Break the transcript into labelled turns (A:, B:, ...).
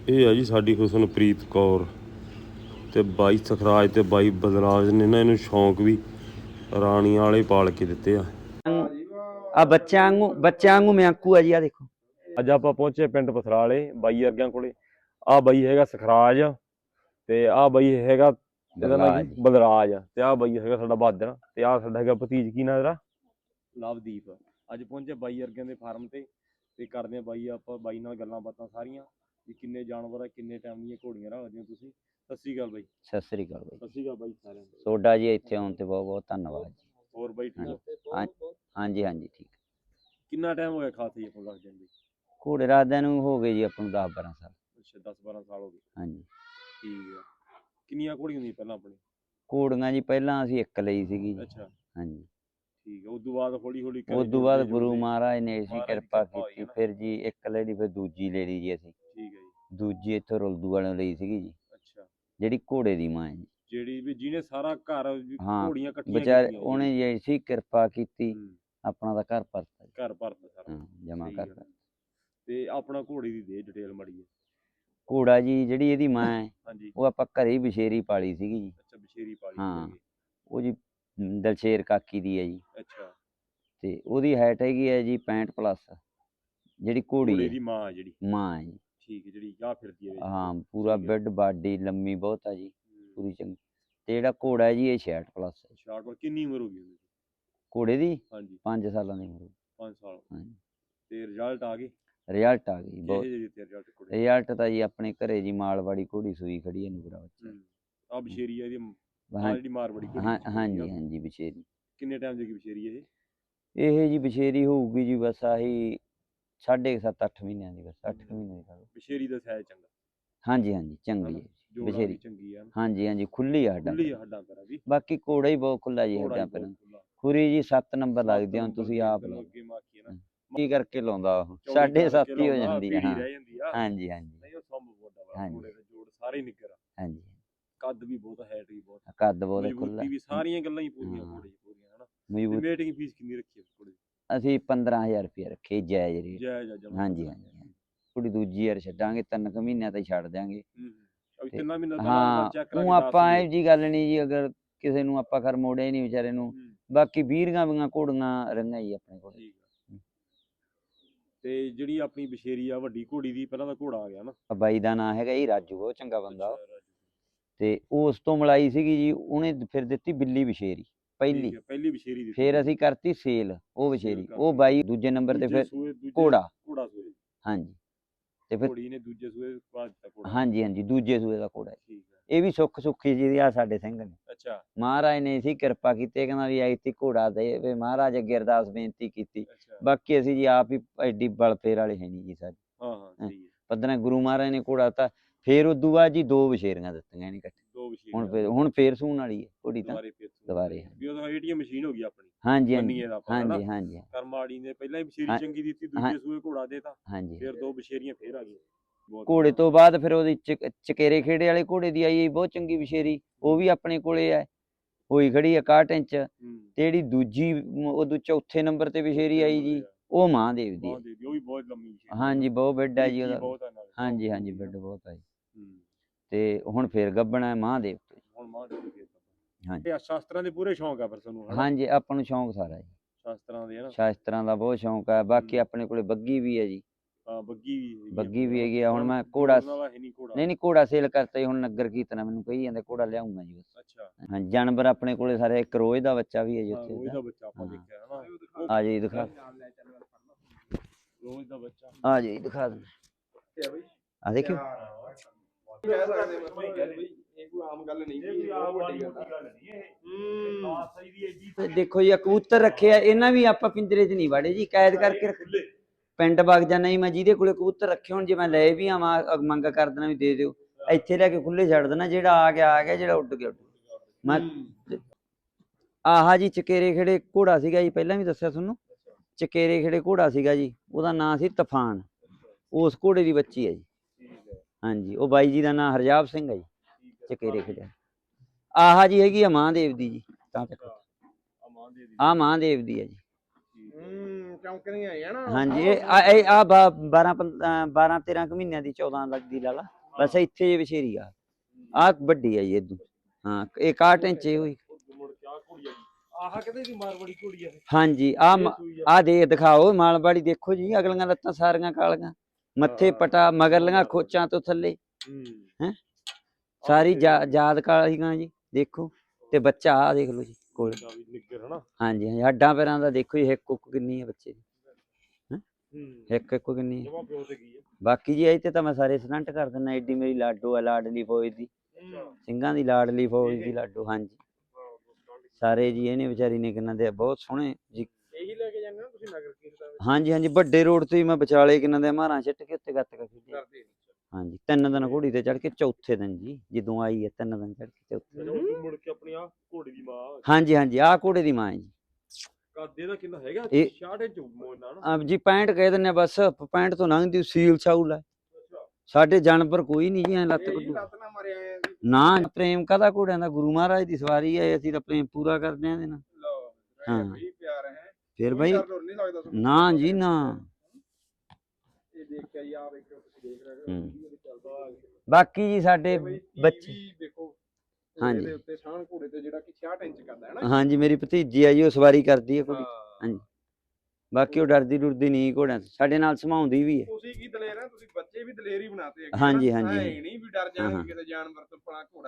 A: ਇਹ ਆ ਜੀ ਸਾਡੀ ਹੁਸਨਪ੍ਰੀਤ ਕੌਰ ਤੇ ਬਾਈ ਸਖਰਾਜ ਤੇ ਬਾਈ ਬਦਰਾਜ ਨੇ ਨਾ ਇਹਨੂੰ ਸ਼ੌਂਕ ਵੀ ਰਾਣੀਆਂ ਵਾਲੇ ਪਾਲ ਕੇ ਦਿੱਤੇ ਆ।
B: ਆ ਬੱਚਿਆਂ ਵਾਂਗੂ ਮਿਆਕੂ ਆ ਜੀ। ਆ ਦੇਖੋ
A: ਅੱਜ ਆਪਾਂ ਪਹੁੰਚੇ ਪਿੰਡ ਪਥਰਾਲੇ ਬਾਈ ਵਰਗਿਆਂ ਕੋਲੇ। ਆ ਬਾਈ ਹੈਗਾ ਸਖਰਾਜ ਤੇ ਆ ਬਾਈ ਹੈਗਾ ਇਹਦਾ ਨਾਂ ਕੀ ਬਦਰਾਜ ਤੇ ਆ ਬਾਈ ਹੈਗਾ ਸਾਡਾ ਬਹਾਦਰ ਤੇ ਆ ਸਾਡਾ ਹੈਗਾ ਭਤੀਜ ਕੀ ਨਾਂ ਇਹਦਾ ਲਵਦੀਪ। ਅੱਜ ਪਹੁੰਚੇ ਬਾਈ ਵਰਗਿਆਂ ਦੇ ਫਾਰਮ ਤੇ ਕਰਦੇ ਆ ਬਾਈ ਆਪਾਂ ਬਾਈ ਨਾਲ ਗੱਲਾਂ ਬਾਤਾਂ ਸਾਰੀਆਂ ਵੀ ਕਿੰਨੇ ਜਾਨਵਰ ਆ ਕਿੰਨੇ ਟਾਈਮ ਦੀਆਂ ਘੋੜੀਆਂ ਰੱਖਦੇ ਹੋ ਤੁਸੀਂ। ਸਤਿ ਸ਼੍ਰੀ ਅਕਾਲ ਬਾਈ।
B: ਸਤਿ ਸ੍ਰੀ ਅਕਾਲ ਬਾਈ।
A: ਸਤਿ ਸ਼੍ਰੀ ਅਕਾਲ ਬਾਈ ਸਾਰਿਆਂ ਨੂੰ।
B: ਤੁਹਾਡਾ ਜੀ ਇੱਥੇ ਆਉਣ ਤੇ ਬਹੁਤ ਬਹੁਤ ਧੰਨਵਾਦ ਜੀ।
A: ਹੋਰ ਬਾਈ ਠੀਕ ਹੋ?
B: ਹਾਂਜੀ ਹਾਂਜੀ ਠੀਕ।
A: ਕਿੰਨਾ ਟਾਈਮ ਹੋ ਗਿਆ ਖਾਤੇ ਆਪਾਂ ਰੱਖਦੇ ਆਂ?
B: ਘੋੜੇ ਰੱਖਦਿਆਂ ਨੂੰ ਹੋ ਗਏ ਜੀ ਆਪਾਂ ਨੂੰ 10-12 ਸਾਲ।
A: ਅੱਛਾ 10-12 ਸਾਲ ਹੋ ਗਏ।
B: ਹਾਂਜੀ
A: ਠੀਕ ਆ। ਕਿੰਨੀਆਂ ਘੋੜੀਆਂ ਹੁੰਦੀਆਂ ਪਹਿਲਾਂ ਆਪਣੇ?
B: ਘੋੜੀਆਂ ਜੀ ਪਹਿਲਾਂ ਅਸੀਂ ਇੱਕ ਲਈ ਸੀਗੀ।
A: ਅੱਛਾ
B: ਹਾਂਜੀ
A: ਠੀਕ ਆ। ਉਸ ਤੋਂ ਬਾਅਦ ਹੌਲੀ ਹੌਲੀ
B: ਉਸ ਤੋਂ ਬਾਅਦ ਗੁਰੂ ਮਹਾਰਾਜ ਨੇ ਐਸੀ ਕਿਰਪਾ ਕੀਤੀ ਫਿਰ ਜੀ ਇੱਕ ਲੈ ਲਈ ਫਿਰ ਦੂਜੀ ਲੈ ਲਈ ਜੀ ਅਸੀਂ।
A: ਠੀਕ ਹੈ ਜੀ।
B: ਦੂਜੀ ਇੱਥੋਂ ਰੁਲਦੂ ਵਾਲਿਆਂ ਲਈ ਸੀਗੀ ਜੀ।
A: ਅੱਛਾ
B: ਜਿਹੜੀ ਘੋੜੇ ਦੀ ਮਾਂ ਹੈ ਜੀ।
A: ਜਿਹੜੀ ਵੀ ਜਿਹਨੇ ਸਾਰਾ ਘਰ ਘੋੜੀਆਂ ਇਕੱਠੀਆਂ
B: ਵਿਚਾਰੇ ਉਹਨੇ ਜੀ ਐਸੀ ਕਿਰਪਾ ਕੀਤੀ ਆਪਣਾ ਤਾਂ ਘਰ ਭਰਤਾ।
A: ਘਰ ਭਰਤਾ ਸਾਰਾ
B: ਜਮਾ ਕਰ।
A: ਤੇ ਆਪਣਾ ਘੋੜੀ ਦੀ ਦੇ ਡਿਟੇਲ ਮਾੜੀ ਹੈ।
B: ਘੋੜਾ ਜੀ ਜਿਹੜੀ ਇਹਦੀ ਮਾਂ ਹੈ
A: ਹਾਂਜੀ
B: ਉਹ ਆਪਾਂ ਘਰੇ ਹੀ ਬਸ਼ੇਰੀ ਪਾਲੀ ਸੀਗੀ ਜੀ।
A: ਅੱਛਾ ਬਸ਼ੇਰੀ ਪਾਲੀ।
B: ਹਾਂ ਉਹ ਜੀ ਦਲਸ਼ੇਰ ਕਾਕੀ ਦੀ ਹੈ ਜੀ।
A: ਅੱਛਾ
B: ਤੇ ਉਹਦੀ ਹਾਈਟ ਹੈਗੀ ਹੈ ਜੀ 65+। ਜਿਹੜੀ ਘੋੜੀ
A: ਦੀ ਮਾਂ ਹੈ ਜਿਹੜੀ
B: ਮਾਂ ਹੈ ਜੀ।
A: ਠੀਕ ਹੈ ਜਿਹੜੀ ਆ ਫਿਰਦੀ ਹੈ।
B: ਹਾਂ ਪੂਰਾ ਬਿੱਡ ਬਾਡੀ ਲੰਮੀ ਬਹੁਤ ਆ ਜੀ ਪੂਰੀ ਚੰਗੀ। ਤੇ ਜਿਹੜਾ ਘੋੜਾ ਹੈ ਜੀ ਇਹ 66+।
A: 66 ਕਿੰਨੀ ਉਮਰ ਹੋ ਗਈ ਉਹਦੀ
B: ਘੋੜੇ ਦੀ?
A: ਹਾਂਜੀ
B: 5 ਸਾਲਾਂ ਦੀ ਉਮਰ।
A: 5 ਸਾਲ।
B: ਹਾਂਜੀ
A: ਤੇ ਰਿਜ਼ਲਟ ਆ ਗਏ?
B: ਰਿਜ਼ਲਟ ਆ ਗਈ ਬਹੁਤ।
A: ਰਿਜ਼ਲਟ
B: ਤਾਂ ਜੀ ਆਪਣੇ ਘਰੇ ਜੀ ਮਾਲਵਾੜੀ ਘੋੜੀ ਸੂਈ ਖੜੀ ਹੈ ਨੂਰਾ ਬੱਚਾ।
A: ਆ ਬਸ਼ੇਰੀ ਆ ਇਹਦੀ ਜਿਹੜੀ ਮਾਰਵਾੜੀ ਘੋੜੀ।
B: ਹਾਂਜੀ ਹਾਂਜੀ ਬਸ਼ੇਰੀ।
A: ਕਿੰਨੇ ਟਾਈਮ ਦੀ ਬਸ਼ੇਰੀ ਇਹ?
B: ਇਹ ਜੀ ਬਸ਼ੇਰੀ ਹੋਊਗੀ ਜੀ ਬਸ ਆਹੀ 7.5-8 ਮਹੀਨਿਆਂ ਦੀ। ਬਸ 8 ਮਹੀਨੇ ਦੀ
A: ਬਸ਼ੇਰੀ ਦਾ ਸਾਈਜ਼ ਚੰਗਾ?
B: ਹਾਂਜੀ ਹਾਂਜੀ ਚੰਗੀ ਹੈ ਬਸ਼ੇਰੀ।
A: ਚੰਗੀ ਆ।
B: ਹਾਂਜੀ ਹਾਂਜੀ ਖੁੱਲੀ ਆ ਹੱਡਾਂ
A: ਪੈਰਾਂ ਦੀ।
B: ਬਾਕੀ ਘੋੜਾ ਹੀ ਬਹੁਤ ਖੁੱਲਾ ਜੀ ਹੱਡਾਂ ਪੈਰਾਂ। ਖੁਰੀ ਜੀ 7 ਨੰਬਰ ਲੱਗਦੀ ਹੁਣ ਤੁਸੀਂ ਆਪ ਕੀ ਕਰਕੇ ਲਾਉਂਦਾ ਉਹ 7.5 ਹੀ ਹੋ ਜਾਂਦੀ ਹੈ। ਹਾਂਜੀ ਹਾਂਜੀ
A: ਜੋੜ ਸਾਰੇ ਨਿੱਗਰ।
B: ਹਾਂਜੀ
A: ਕੱਦ ਵੀ ਬਹੁਤ ਹੈਟ ਵੀ ਬਹੁਤ
B: ਕੱਦ ਬਹੁਤ ਖੁੱਲਾ
A: ਵੀ ਸਾਰੀਆਂ ਗੱਲਾਂ ਹੀ ਪੂਰੀਆਂ ਘੋੜੇ ਦੀ ਪੂਰੀਆਂ ਹਨਾ। ਮੀਟਿੰਗ ਫੀਸ ਕਿੰਨੀ ਰੱਖੀ ਹੈ ਘੋੜੇ ਦੀ?
B: ਅਸੀਂ 15,000 ਰੁਪਇਆ ਰੱਖੇ ਜਾਇਜ਼ ਰੇਟ।
A: ਜਾਇਜ਼
B: ਹਾਂਜੀ ਹਾਂਜੀ ਕੁੜੀ ਦੂਜੀ ਯਾਰ ਛੱਡਾਂਗੇ 3 ਮਹੀਨਿਆਂ ਤਾਂ ਛੱਡ ਦਿਆਂਗੇ।
A: 3 ਮਹੀਨੇ
B: ਹਾਂ ਉਹ ਆਪਾਂ ਇਹ ਜੀ ਗੱਲ ਨਹੀਂ ਜੀ ਅਗਰ ਕਿਸੇ ਨੂੰ ਆਪਾਂ ਖਰ ਮੋੜਿਆ ਹੀ ਨਹੀਂ ਵਿਚਾਰੇ ਨੂੰ। ਬਾਕੀ 20 ਵੀਆਂ ਘੋੜੀਆਂ ਰਹੀਆਂ ਜੀ ਆਪਣੇ ਕੋਲ।
A: ਤੇ ਜਿਹੜੀ ਆਪਣੀ ਬਸ਼ੇਰੀ ਆ ਵੱਡੀ ਘੋੜੀ ਦੀ ਪਹਿਲਾਂ ਦਾ ਘੋੜਾ ਆ ਗਿਆ ਨਾ।
B: ਬਾਈ ਦਾ ਨਾਂ ਹੈਗਾ ਜੀ ਰਾਜੂ ਬਹੁਤ ਚੰਗਾ ਬੰਦਾ। ਤੇ ਉਸ ਤੋਂ ਮਲਾਈ ਸੀਗੀ ਜੀ ਉਹਨੇ ਫਿਰ ਦਿੱਤੀ ਬਿੱਲੀ ਬਸ਼ੇਰੀ ਪਹਿਲੀ
A: ਬਸ਼ੇਰੀ।
B: ਫਿਰ ਅਸੀਂ ਕਰਤੀ ਸੇਲ ਉਹ ਬਸ਼ੇਰੀ। ਉਹ ਬਾਈ ਦੂਜੇ ਨੰਬਰ ਤੇ ਫਿਰ ਘੋੜਾ। ਹਾਂਜੀ ਤੇ ਫਿਰ
A: ਘੋੜੀ ਨੇ ਦੂਜੇ ਸੂਏ ਬਾਅਦ ਦਿੱਤਾ।
B: ਹਾਂਜੀ ਹਾਂਜੀ ਦੂਜੇ ਸੂਏ ਦਾ ਘੋੜਾ। ਇਹ ਵੀ ਸੁੱਖੀ ਜੀ ਆ ਸਾਡੇ ਸਿੰਘ ਨੇ।
A: ਅੱਛਾ
B: ਮਹਾਰਾਜ ਨੇ ਸੀ ਕਿਰਪਾ ਕੀਤੀ ਕਹਿੰਦਾ ਵੀ ਐਤੀ ਘੋੜਾ ਦੇ ਮਹਾਰਾਜ ਅੱਗੇ ਅਰਦਾਸ ਬੇਨਤੀ ਕੀਤੀ। ਬਾਕੀ ਅਸੀਂ ਜੀ ਆਪ ਹੀ ਐਡੀ ਬਲ ਫੇਰ ਵਾਲੇ ਹੈ ਨਹੀਂ ਜੀ ਸਾਡੇ।
A: ਹਾਂ
B: ਪੱਧਰਾ ਗੁਰੂ ਮਹਾਰਾਜ ਨੇ ਘੋੜਾ ਤਾਂ ਫਿਰ ਉਦੋਂ ਬਾਅਦ ਜੀ 2 ਬਸ਼ੇਰੀਆਂ ਦਿੱਤੀਆਂ ਨਹੀਂ ਇਕੱਠੇ। ਹੁਣ ਫੇਰ ਸੂਣ ਵਾਲੀ ਹੈ ਘੋੜੀ ਤਾਂ ਦੁਬਾਰੇ।
A: ਵੀ ਉਹ ਏਟੀਐਮ ਮਸ਼ੀਨ ਹੋ ਗਈ ਆਪਣੀ।
B: ਹਾਂਜੀ ਹਾਂਜੀ ਹਾਂਜੀ
A: ਕਰਮਾੜੀ ਨੇ ਪਹਿਲਾਂ ਹੀ ਬਸ਼ੇਰੀ ਚੰਗੀ ਦਿੱਤੀ ਦੂਜੇ ਸੂਏ ਘੋੜਾ ਦੇਤਾ।
B: ਹਾਂਜੀ
A: ਫਿਰ 2 ਬਸ਼ੇਰੀਆਂ ਫੇਰ ਆ ਗਈਆਂ।
B: ਘੋੜੇ ਤੋਂ ਬਾਅਦ ਫਿਰ ਉਹਦੀ ਚਕੇਰੇ ਖੇੜੇ ਵਾਲੇ ਘੋੜੇ ਦੀ ਆਈ ਬਹੁਤ ਚੰਗੀ ਬਸ਼ੇਰੀ। ਉਹ ਵੀ ਆਪਣੇ ਕੋਲੇ ਹੈ ਹੋਈ ਖੜੀ 61 ਇੰਚ। ਤੇ ਜਿਹੜੀ ਦੂਜੀ ਉਦੋਂ ਚੌਥੇ ਨੰਬਰ ਤੇ ਬਸ਼ੇਰੀ ਆਈ ਜੀ ਉਹ ਮਹਾਂਦੇਵ ਦੀ। ਹਾਂਜੀ ਬਹੁਤ ਬਿੱਡ ਹੈ ਜੀ ਉਹਦਾ। ਹਾਂਜੀ ਹਾਂਜੀ ਬਿੱਡ ਬਹੁਤ ਆ ਜੀ। ਤੇ ਹੁਣ ਫੇਰ ਗੱਬਣਾ ਹੈ ਮਹਾਂਦੇਵ ਤੋਂ।
A: ਹਾਂਜੀ ਸ਼ਾਸਤਰਾਂ ਦੇ ਪੂਰੇ ਸ਼ੌਂਕ ਆ ਫਿਰ ਤੁਹਾਨੂੰ?
B: ਹਾਂਜੀ ਆਪਾਂ ਨੂੰ ਸ਼ੌਂਕ ਸਾਰਾ ਜੀ
A: ਸ਼ਾਸਤਰਾਂ ਦੇ।
B: ਸ਼ਾਸਤਰਾਂ ਦਾ ਬਹੁਤ ਸ਼ੌਂਕ ਹੈ। ਬਾਕੀ ਆਪਣੇ ਕੋਲੇ ਬੱਗੀ ਵੀ ਹੈ ਜੀ। ਬੱਗੀ ਵੀ ਹੈਗੀ ਆ। ਹੁਣ ਮੈਂ ਘੋੜਾ ਨਹੀਂ ਘੋੜਾ ਸੇਲ ਕਰਤਾ ਜੀ। ਹੁਣ ਨਗਰ ਕੀਰਤਨ ਮੈਨੂੰ ਕਹੀ ਜਾਂਦੇ ਘੋੜਾ ਲਿਆਉਂਗਾ ਜੀ ਬਸ। ਹਾਂਜੀ ਜਾਨਵਰ ਆਪਣੇ ਕੋਲੇ ਸਾਰੇ। ਇੱਕ ਰੋਜ਼ ਦਾ ਬੱਚਾ ਵੀ ਹੈ ਜੀ ਉੱਥੇ। ਆ ਜੀ ਦਿਖਾ ਆ ਜੀ ਦਿਖਾ ਦਿੰਦੇ ਆ ਦੇਖਿਓ। ਦੇਖੋ ਜੀ ਕਬੂਤਰ ਰੱਖੇ ਆ ਇਹਨਾਂ ਵੀ ਆਪਾਂ ਪਿੰਜਰੇ 'ਚ ਨਹੀਂ ਵਾੜੇ ਜੀ ਕੈਦ ਕਰਕੇ ਰੱਖੇ। ਪਿੰਡ ਵਗ ਜਾਣਾ ਜੀ ਮੈਂ ਜਿਹਦੇ ਕੋਲੇ ਕਬੂਤਰ ਰੱਖੇ ਹੁਣ ਜੇ ਮੈਂ ਲੈ ਵੀ ਆਵਾਂ ਮੰਗ ਕਰ ਦੇਣਾ ਵੀ ਦੇ ਦਿਓ ਇੱਥੇ ਲੈ ਕੇ ਖੁੱਲੇ ਛੱਡ ਦੇਣਾ। ਜਿਹੜਾ ਆ ਗਿਆ ਜਿਹੜਾ ਉੱਡ ਗਿਆ ਮੈਂ। ਆਹ ਜੀ ਚਕੇਰੇ ਖੇੜੇ ਘੋੜਾ ਸੀਗਾ ਜੀ ਪਹਿਲਾਂ ਵੀ ਦੱਸਿਆ ਤੁਹਾਨੂੰ। ਚਕੇਰੇ ਖੇੜੇ ਘੋੜਾ ਸੀਗਾ ਜੀ ਉਹਦਾ ਨਾਂ ਸੀ ਤੂਫਾਨ। ਉਸ ਘੋੜੇ ਦੀ ਬੱਚੀ ਹੈ ਜੀ। ਹਾਂਜੀ ਉਹ ਬਾਈ ਜੀ ਦਾ ਨਾਂ ਹਰਜਾਬ ਸਿੰਘ ਹੈ ਜੀ। ਚਕੇਰੇ ਖੇੜੇ ਆਹ ਜੀ ਹੈਗੀ ਆ ਮਹਾਂਦੇਵ ਦੀ ਜੀ। ਤਾਂ ਆ ਮਹਾਂਦੇਵ ਦੀ ਹੈ ਜੀ।
C: ਚੌਂਕਦੀਆਂ ਹੈ ਨਾ।
B: ਹਾਂਜੀ ਇਹ ਆ 12 13 ਕੁ ਮਹੀਨਿਆਂ ਦੀ 14 ਲੱਗਦੀ ਲਾ ਲਾ ਬਸ ਇੱਥੇ ਜੇ ਵਿਸ਼ੇਰੀ ਆ ਵੱਡੀ ਆ ਜੀ ਇਦੋਂ ਹਾਂ ਇਹ 61 ਇੰਚ ਹੋਈ
A: ਮੁੜ ਕੇ ਆ ਘੋੜੀ ਆ ਆਹ ਕਿਤੇ ਦੀ ਮਾਰਵਾੜੀ ਘੋੜੀ ਆ
B: ਹਾਂਜੀ ਆ ਦੇ ਦਿਖਾਓ ਮਾਲਵਾੜੀ ਦੇਖੋ ਜੀ ਅਗਲੀਆਂ ਲੱਤਾਂ ਸਾਰੀਆਂ ਕਾਲੀਆਂ ਮੱਥੇ ਪਟਾ ਮਗਰਲੀਆਂ ਖੋਚਾਂ ਤੋਂ ਥੱਲੇ ਹੈ ਸਾਰੀ ਯਾਦ ਕਾਲੀਆਂ ਜੀ ਦੇਖੋ ਤੇ ਬੱਚਾ ਆ ਦੇਖ ਲਓ ਜੀ ਕੋਲ
A: ਨਿੱਗਰ ਹਨਾ
B: ਹਾਂਜੀ ਹਾਂਜੀ ਹੱਡਾਂ ਪੈਰਾਂ ਦਾ ਦੇਖੋ ਜੀ ਇੱਕ ਕੁੱਕ ਕਿੰਨੀ ਹੈ ਬੱਚੇ ਦੀ ਇੱਕ ਕਿੰਨੀ ਹੈ ਬਾਕੀ ਜੀ ਇਹ ਤੇ ਤਾਂ ਮੈਂ ਸਾਰੇ ਸਟੰਟ ਕਰ ਦਿੰਦਾ ਐਡੀ ਮੇਰੀ ਲਾਡੋ ਆ ਲਾਡਲੀ ਫੌਜ ਦੀ ਸਿੰਘਾਂ ਦੀ ਲਾਡਲੀ ਫੌਜ ਦੀ ਲਾਡੋ ਹਾਂਜੀ ਸਾਰੇ ਜੀ ਇਹਨੇ ਵਿਚਾਰੀ ਨੇ ਕਿੰਨਾ ਦੇ ਬਹੁਤ ਸੋਹਣੇ ਜੀ
C: ਇਹੀ ਲੈ ਕੇ ਜਾਂਦੇ ਹੋ ਤੁਸੀਂ ਨਗਰ ਕੀਰਤਨ ਵਿੱਚ?
B: ਹਾਂਜੀ ਹਾਂਜੀ ਵੱਡੇ ਰੋਡ ਤੇ ਹੀ ਮੈਂ ਵਿਚਾਲੇ ਕਿੰਨਾ ਦੇ ਮਾਰਾਂ ਛਿੱਟ ਕੇ ਉੱਤੇ ਗੱਤਕਾ ਖੇਡਿਆ
C: ਕਰਦੇ
B: ਹਾਂਜੀ 3 ਦਿਨ ਘੋੜੀ ਤੇ ਚੜ ਕੇ ਚੌਥੇ ਦਿਨ ਜੀ ਜਦੋਂ ਆਈ ਹੈ 3 ਦਿਨ ਚੜ ਕੇ ਚੌਥੇ
A: ਮੁੜ ਕੇ ਆਪਣੀ ਆ ਘੋੜੀ ਦੀ ਮਾਂ
B: ਹਾਂਜੀ ਹਾਂਜੀ ਆਹ ਘੋੜੇ ਦੀ ਮਾਂ ਹੈ ਜੀ
A: ਕਾਦੇ ਦਾ ਕਿੰਨਾ ਹੈਗਾ
B: ਇਹ
A: 66 ਇੰਚ ਮੋਨਾ ਨਾ
B: ਜੀ 65 ਕਹਿ ਦਿੰਨੇ ਬਸ 65 ਤੋਂ ਲੰਘਦੀ ਸੀਲ ਸਾਊਲ ਹੈ ਸਾਡੇ ਜਾਨਵਰ ਕੋਈ ਨਹੀਂ ਜੀ ਐ ਲੱਤ
C: ਇਹ
B: ਕੱਢੂ
C: ਲੱਤ ਨਾ ਮਰਿਆ ਐ ਜੀ।
B: ਨਾ ਪ੍ਰੇਮ ਕਾਹਦਾ ਘੋੜਿਆਂ ਦਾ ਗੁਰੂ ਮਹਾਰਾਜ ਦੀ ਸਵਾਰੀ ਹੈ ਅਸੀਂ ਤਾਂ ਪ੍ਰੇਮ ਪੂਰਾ ਕਰਦੇ ਆਂ ਇਹਦੇ ਨਾਲ
C: ਲਓ
B: ਹਾਂ।
C: ਬਈ ਪਿਆਰ ਹੈ
B: ਫਿਰ
C: ਕੋਈ
B: ਬਈ
C: ਡਰ ਡਰ ਨਹੀਂ ਲੱਗਦਾ ਤੁਹਾਨੂੰ?
B: ਨਾ ਜੀ ਨਾ
C: ਇਹ ਦੇਖ ਕੇ ਆ ਵੇਖੋ ਤੁਸੀਂ ਦੇਖ ਰਹੇ ਹੋ
B: ਹੂੰ।
C: ਵੀਡੀਓ ਤੇ ਚੱਲਦਾ
B: ਬਾਕੀ ਜੀ ਸਾਡੇ
C: ਬਈ
B: ਬੱਚੇ
C: ਵੀ ਦੇਖੋ
B: ਹਾਂਜੀ।
C: ਇਹਦੇ ਉੱਤੇ ਸਾਹ ਘੋੜੇ ਤੇ ਜਿਹੜਾ ਕਿ 66 ਇੰਚ ਕਰਦਾ ਹੈ ਨਾ
B: ਹਾਂਜੀ ਮੇਰੀ ਭਤੀਜੀ ਆ ਜੀ ਉਹ ਸਵਾਰੀ ਕਰਦੀ ਹੈ ਘੋੜੀ
C: ਹਾਂ।
B: ਹਾਂਜੀ ਬਾਕੀ ਉਹ ਡਰਦੀ ਡੁਰਦੀ ਨਹੀਂ ਘੋੜਿਆਂ ਤੋਂ ਸਾਡੇ ਨਾਲ ਸਮਾਉਂਦੀ ਵੀ ਹੈ
C: ਤੁਸੀਂ ਕੀ ਦਲੇਰ ਹੈ ਤੁਸੀਂ ਬੱਚੇ ਵੀ ਦਲੇਰ ਹੀ ਬਣਾਤੇ ਹੈਗੇ
B: ਹਾਂਜੀ,
C: ਨਾ।
B: ਹਾਂਜੀ,
C: ਐਂ
B: ਹਾਂਜੀ।
C: ਨਹੀਂ ਵੀ ਡਰ
B: ਹਾਂ,
C: ਜਾਣਗੇ
B: ਹਾਂ।
C: ਕਿਸੇ ਜਾਨਵਰ ਤੋਂ ਭਲਾ ਘੋੜਾ